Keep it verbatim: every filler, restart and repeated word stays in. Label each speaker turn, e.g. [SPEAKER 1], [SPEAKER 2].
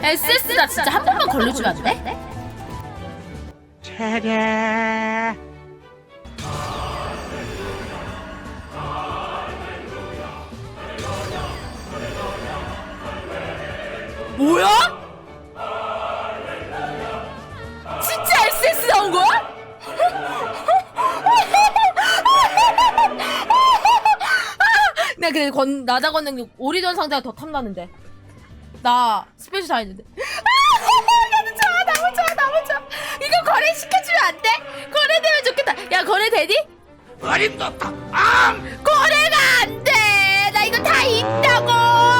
[SPEAKER 1] 에스에스 나 진짜 한 번만 걸려주면 안 돼?
[SPEAKER 2] 차례.
[SPEAKER 1] 뭐야? 진짜 에스에스 나온 거야? 나 근데 건, 나자 건능 오리전 상자가 더 탐나는데. 나 스페셜 다 했는데. 너무 좋아, 너무 좋아, 너무 좋아. 이거 거래 시켜주면 안 돼? 거래되면 좋겠다. 야, 거래 되니?
[SPEAKER 2] 어림도 없다. 앙!
[SPEAKER 1] 거래가 안 돼. 나 이거 다 있다고.